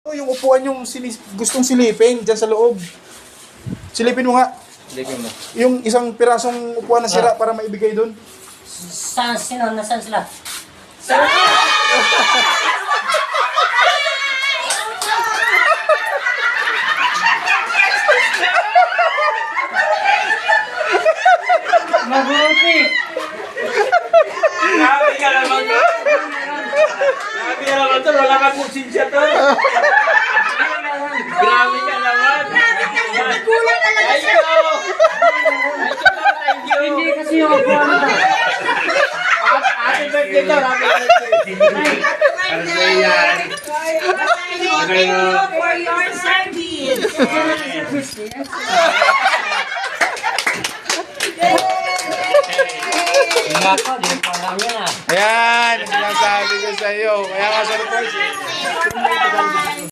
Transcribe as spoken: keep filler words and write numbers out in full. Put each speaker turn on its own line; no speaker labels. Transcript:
Yung upuan yung sinis- gustong silipin dyan sa loob. Silipin mo nga.
Silipin mo.
Yung isang pirasong upuan na sira para maibigay doon.
Saan, sino? Nasaan sila? Mabuti!
Grabe ka naman to. Grabe ka naman to. Wala kang konsensya to. Grabe ka naman.
Kulang talaga
Thank
siya.
you. Thank you.
Hindi kasi yung upuan na.
Happy birthday to. Happy birthday.
Thank you for your service.
Nako, di pa lang yan ah.
Ayan, sinasabi ko sa iyo. Kaya nga surprise.